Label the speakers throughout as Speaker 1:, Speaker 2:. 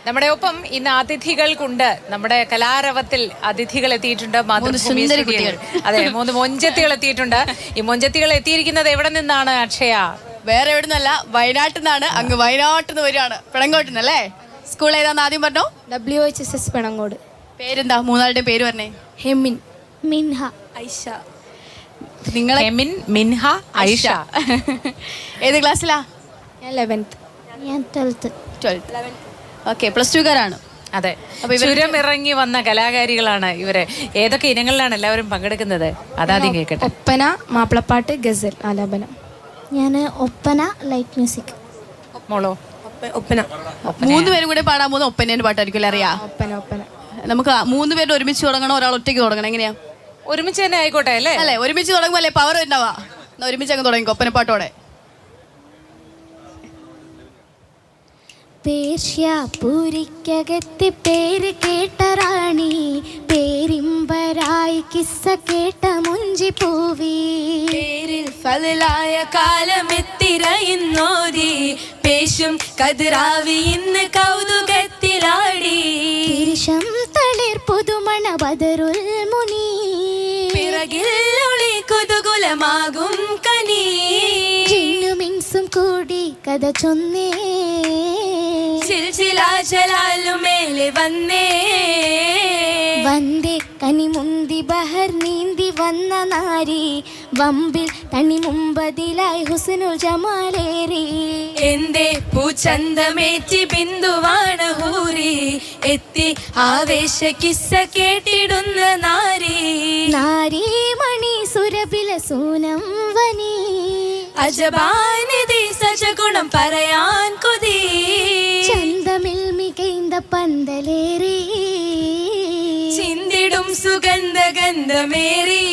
Speaker 1: നമ്മുടെ ഒപ്പം ഇന്ന് അതിഥികൾക്കുണ്ട്. നമ്മുടെ കലാരവത്തിൽ അതിഥികൾ എത്തിയിട്ടുണ്ട്. അതെ, 3 മൊഞ്ചത്തികൾ എത്തിയിട്ടുണ്ട്. ഈ മൊഞ്ചത്തികൾ എത്തിയിരിക്കുന്നത് എവിടെ നിന്നാണ് അക്ഷയ?
Speaker 2: വേറെ എവിടെ നിന്നല്ല, വയനാട്ടിൽ നിന്നാണ്. അങ്ങ് വയനാട്ടിൽ നിന്ന് വരികയാണ്, പിണങ്ങോട്ടിന്നല്ലേ. സ്കൂൾ ഏതാന്ന് ആദ്യം പറഞ്ഞോ?
Speaker 3: WHSS പിണങ്ങോട്.
Speaker 2: പേരെന്താ? മൂന്നാളുടെയും പേര് പറഞ്ഞേ.
Speaker 3: ഹെമിൻ, മിൻഹ,
Speaker 2: ഐഷ. നിങ്ങളെ
Speaker 1: ഹെമിൻ, മിൻഹ, ഐഷ.
Speaker 2: ഏത് ക്ലാസ്സിലാ?
Speaker 3: ഞാൻ 11th.
Speaker 4: ഞാൻ 12th.
Speaker 2: ഓക്കെ, +2കാരാണ്.
Speaker 1: അതെ, ചുരം ഇറങ്ങി വന്ന കലാകാരികളാണ് ഇവര്. ഏതൊക്കെ ഇനങ്ങളിലാണ് എല്ലാവരും പങ്കെടുക്കുന്നത്? അതാദ്യം കേൾക്കട്ടെ.
Speaker 3: ഒപ്പന, മാപ്പിളപ്പാട്ട്, ഗസൽ ആലാപനം.
Speaker 4: ഞാൻ ഒപ്പന, ലൈറ്റ് മ്യൂസിക്.
Speaker 1: മോളോ?
Speaker 3: ഒപ്പന.
Speaker 2: 3 പേരും കൂടെ പാടാൻ പോകുന്ന ഒപ്പനേന്റെ പാട്ടായിരിക്കും അറിയാ?
Speaker 3: ഒപ്പന.
Speaker 2: നമുക്ക് 3 പേരുടെ ഒരുമിച്ച് തുടങ്ങണോ, ഒരാൾ ഒറ്റയ്ക്ക് തുടങ്ങണം? എങ്ങനെയാ?
Speaker 1: ഒരുമിച്ച് തന്നെ ആയിക്കോട്ടെ അല്ലേ?
Speaker 2: അല്ലേ, ഒരുമിച്ച് തുടങ്ങുമ്പോൾ അല്ലേ പവർ ഉണ്ടാവാ. ഒരുമിച്ച് അങ്ങ് തുടങ്ങിക്കോ ഒപ്പനപ്പാട്ടോടെ.
Speaker 4: പേർഷ്യാപുരിക്കകത്തെ പേര് കേട്ട റാണി, പേരിമ്പരായി കിസ്സ കേട്ട മുഞ്ചി പൂവി,
Speaker 5: പേരിൽ ഫലായ കാലമെത്തിരയുന്നോതി, പേശും കതിരാവി ഇന്ന് കൗതുകത്തിലാടി,
Speaker 4: തിരിശം തളിർ പുതുമണ ബദറുൽ മുനി,
Speaker 5: പിറകിൽ ഒളി കുതുകുലമാകും കനി,
Speaker 4: ചിന്നുമിൻസും കൂടി കഥ ചൊന്നേ,
Speaker 5: ചിൽചിലാചലാലുമേലെ വന്നേ,
Speaker 4: വന്ദേ കനിമുന്തി ബഹർ നീന്തി വന്ന നാരി, വമ്പിൽ തണി മുമ്പതിലായി ഹുസ്നുൽ ജമാലേറി,
Speaker 5: എന്റെ പൂച്ചന്തമേറ്റി ബിന്ദുവാണ് ഹൂറി, എത്തി ആവേശ കിസ്സ കേട്ടിടുന്ന നാരി,
Speaker 4: നാരി മണി സുരബില സൂനം വനി,
Speaker 5: അജബാനിധി സജഗുണം പറയാൻ കൊതി,
Speaker 4: ചന്തമിൽ മികൈന്ത പന്തലേറി,
Speaker 5: ചിന്തിടും സുഗന്ധ ഗന്ധമേറി.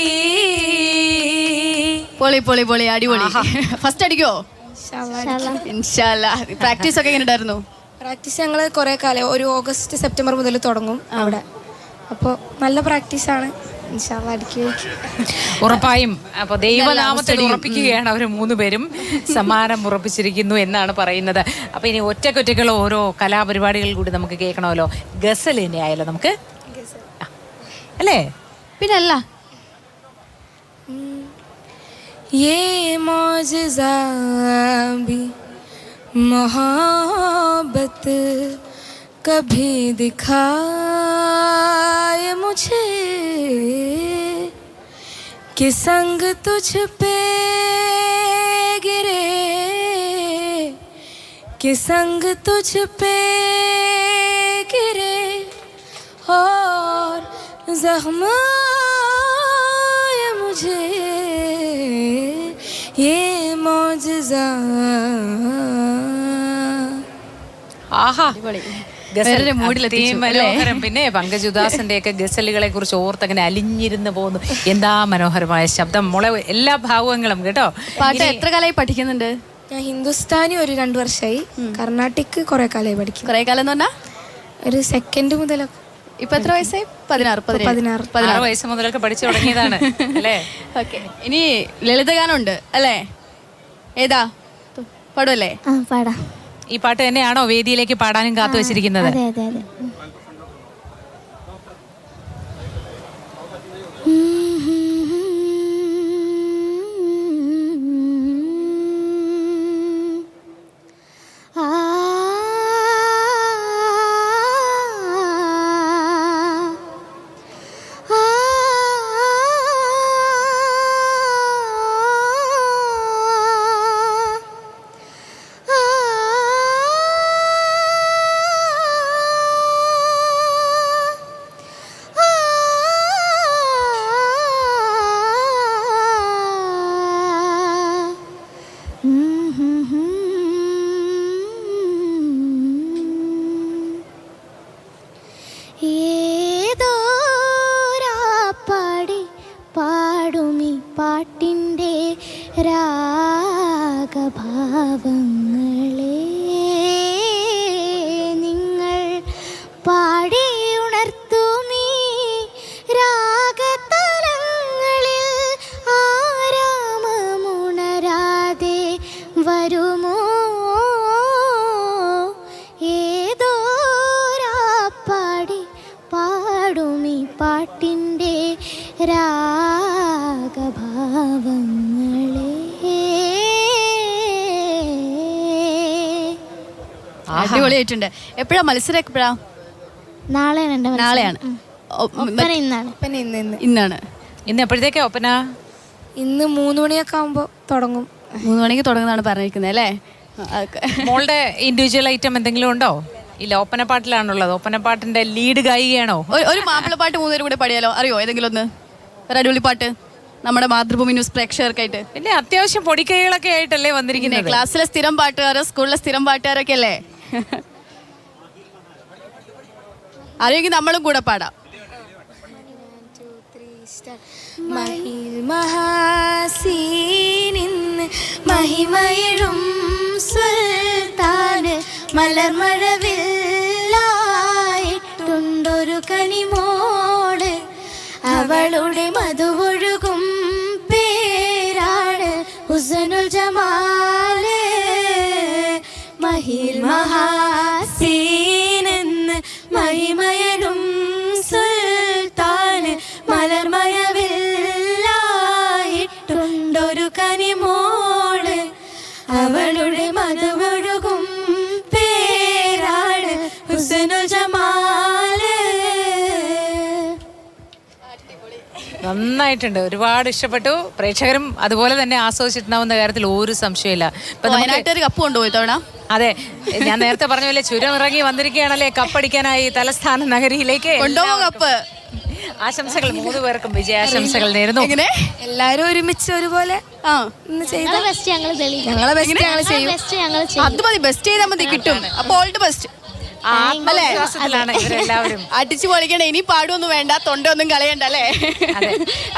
Speaker 2: പൊളി പൊളി പൊളി, അടിപൊളി. ഫസ്റ്റ് അടിക്കോ? ഇൻഷാല്ലാ. പ്രാക്ടീസ് ഒക്കെ എങ്ങനെ ഉണ്ടായിരുന്നു?
Speaker 3: പ്രാക്ടീസ് ഞങ്ങൾ കുറേ കാലം, ഒരു ഓഗസ്റ്റ് സെപ്റ്റംബർ മുതൽ തുടങ്ങും അവിടെ. അപ്പോൾ നല്ല പ്രാക്ടീസാണ്. ഇൻഷാല്ലാ അടിക്കും.
Speaker 1: ഉറപ്പായും. അപ്പൊ ദൈവനാമത്തിൽ ഉറപ്പിക്കുകയാണ് അവർ 3 പേരും. സമ്മാനം ഉറപ്പിച്ചിരിക്കുന്നു എന്നാണ് പറയുന്നത്. അപ്പൊ ഇനി ഒറ്റക്കൊറ്റക്കുള്ള ഓരോ കലാപരിപാടികൾ കൂടി നമുക്ക് കേൾക്കണമല്ലോ. ഗസൽ തന്നെ ആയാലോ നമുക്ക്, അല്ലേ?
Speaker 2: പിന്നല്ല.
Speaker 3: ये मौजज़ा भी मोहब्बत कभी दिखाए मुझे, कि संग तुझ पे गिरे, कि संग तुझ पे गिरे, और जख्म आए मुझे, ये मौजज़ा.
Speaker 1: ആഹാ,
Speaker 2: മനോഹരം.
Speaker 1: പിന്നെ പങ്കജുദാസിന്റെ ഒക്കെ ഗസലുകളെ കുറിച്ച് ഓർത്തങ്ങനെ അലിഞ്ഞിരുന്ന് പോകുന്നു. എന്താ മനോഹരമായ ശബ്ദം മോളെ, എല്ലാ ഭാവങ്ങളും കേട്ടോ.
Speaker 2: പാട്ട് എത്ര കാലമായി പഠിക്കുന്നുണ്ട്?
Speaker 3: ഞാൻ ഹിന്ദുസ്ഥാനി ഒരു 2 വർഷമായി, കർണാട്ടിക് കുറെ കാലമായി പഠിക്കും.
Speaker 2: കുറെ കാലം എന്ന് പറഞ്ഞാ
Speaker 3: ഒരു സെക്കൻഡ് മുതലൊക്കെ.
Speaker 2: ഇപ്പൊ എത്ര വയസ്സായി?
Speaker 1: 16 വയസ്സ് മുതലൊക്കെ പഠിച്ചു തുടങ്ങിയതാണ് അല്ലേ?
Speaker 2: ഓക്കെ, ഇനി ലളിതഗാനം ഉണ്ട് അല്ലേ? ഏതാ പാടുമല്ലേ?
Speaker 4: പാടാം.
Speaker 1: ഈ പാട്ട് തന്നെയാണോ വേദിയിലേക്ക് പാടാനും കാത്തു വെച്ചിരിക്കുന്നത്?
Speaker 4: അതെ അതെ അതെ.
Speaker 2: അടിപൊളിയായിട്ടുണ്ട്. എപ്പോഴാ മത്സരം? എപ്പോഴാ?
Speaker 4: നാളെയാണ് എൻ്റെ മത്സരം.
Speaker 2: നാളെയാണ്.
Speaker 4: ഒപ്പന ഇന്നാണ്.
Speaker 3: പിന്നെ
Speaker 2: ഇന്നാണ്.
Speaker 1: ഇന്ന് എപ്പോഴത്തേക്കാ ഒപ്പന?
Speaker 3: ഇന്ന് 3 മണിയൊക്കെ ആകുമ്പോൾ തുടങ്ങും.
Speaker 2: 3 മണിക്ക് തുടങ്ങുന്നതാണ് പറഞ്ഞിരിക്കുന്നത് അല്ലേ?
Speaker 1: മോളുടെ ഇൻഡിവിജ്വൽ ഐറ്റം എന്തെങ്കിലും ഉണ്ടോ? ഇല്ല, ഒപ്പനപ്പാട്ടിലാണുള്ളത്. ഒപ്പനപ്പാട്ടിന്റെ ലീഡ് ഗായികയാണോ?
Speaker 2: ഒരു മാപ്പിളപ്പാട്ട് 3 പേരും കൂടെ പാടിയാലോ? അറിയോ ഏതെങ്കിലും ഒന്ന്? ഒരു അടിപൊളി പാട്ട് നമ്മുടെ മാതൃഭൂമി ന്യൂസ് പ്രേക്ഷകർക്കായിട്ട്.
Speaker 1: പിന്നെ അത്യാവശ്യം പൊടിക്കൈകളൊക്കെ ആയിട്ടല്ലേ വന്നിരിക്കുന്നത്.
Speaker 2: ക്ലാസ്സിലെ സ്ഥിരം പാട്ടുകാരോ സ്കൂളിലെ സ്ഥിരം പാട്ടുകാരൊക്കെ അല്ലേ? അറിയെങ്കിൽ നമ്മളും കൂടെ പാടാം.
Speaker 3: മഹിൽ മഹാസീനിന്ന് മഹിമയിടും സുൽത്താന്
Speaker 4: മലർമഴവില്ലായിട്ടുണ്ടൊരു കനിമോട്, അവളുടെ മധുവൊഴുകും പേരാണ് ഹുസനുൽ ജമാല്. മഹിൽ
Speaker 5: മഹാസീനെന്ന് മഹിമയനും സുൽത്താന് മലർമഴവില്ലായിട്ടുണ്ടൊരു കനിമോള്, അവളുടെ മധുവൊഴുകും പേരാണ് ഹുസ്നുൽ ജമാല്.
Speaker 1: നന്നായിട്ടുണ്ട്, ഒരുപാട് ഇഷ്ടപ്പെട്ടു. പ്രേക്ഷകരും അതുപോലെ തന്നെ ആസ്വദിച്ചിട്ടുണ്ടാവുന്ന കാര്യത്തിൽ ഒരു സംശയമില്ല. ഇപ്പൊ നമുക്ക്
Speaker 2: വയനാട്ടുകാർ കപ്പ് കൊണ്ടുപോയി തവണ.
Speaker 1: അതെ, ഞാൻ നേരത്തെ പറഞ്ഞ പോലെ ചുരം ഇറങ്ങി വന്നിരിക്കുകയാണല്ലേ കപ്പടിക്കാനായി തലസ്ഥാന നഗരിയിലേക്ക്.
Speaker 2: കൊണ്ടുപോകും കപ്പ്.
Speaker 1: ആശംസകൾ 3 പേർക്കും, വിജയാശംസകൾ നേരുന്നു.
Speaker 2: എങ്ങനെ
Speaker 3: എല്ലാവരും ഒരുമിച്ച് ഒരുപോലെ ഇന്ന് ചെയ്ത
Speaker 4: ഞങ്ങളെ ബെസ്റ്റ് ഞങ്ങൾ തെളിയിക്കും.
Speaker 3: ഞങ്ങളെ ബെസ്റ്റ് ഞങ്ങൾ ചെയ്യും.
Speaker 4: ബെസ്റ്റ് ഞങ്ങൾ ചെയ്യും.
Speaker 2: അത് മതി, ബെസ്റ്റ് ചെയ്താൽ മതി, കിട്ടും. അപ്പൊ ഓൾ ദി ബെസ്റ്റ്.
Speaker 1: ആത്മവിശ്വാസത്തിലാണ് ഇവരെല്ലാവരും.
Speaker 2: അടിച്ചു പൊളിക്കണേ. ഇനി പാടുമൊന്നും വേണ്ട, തൊണ്ടൊന്നും കളയണ്ട അല്ലേ?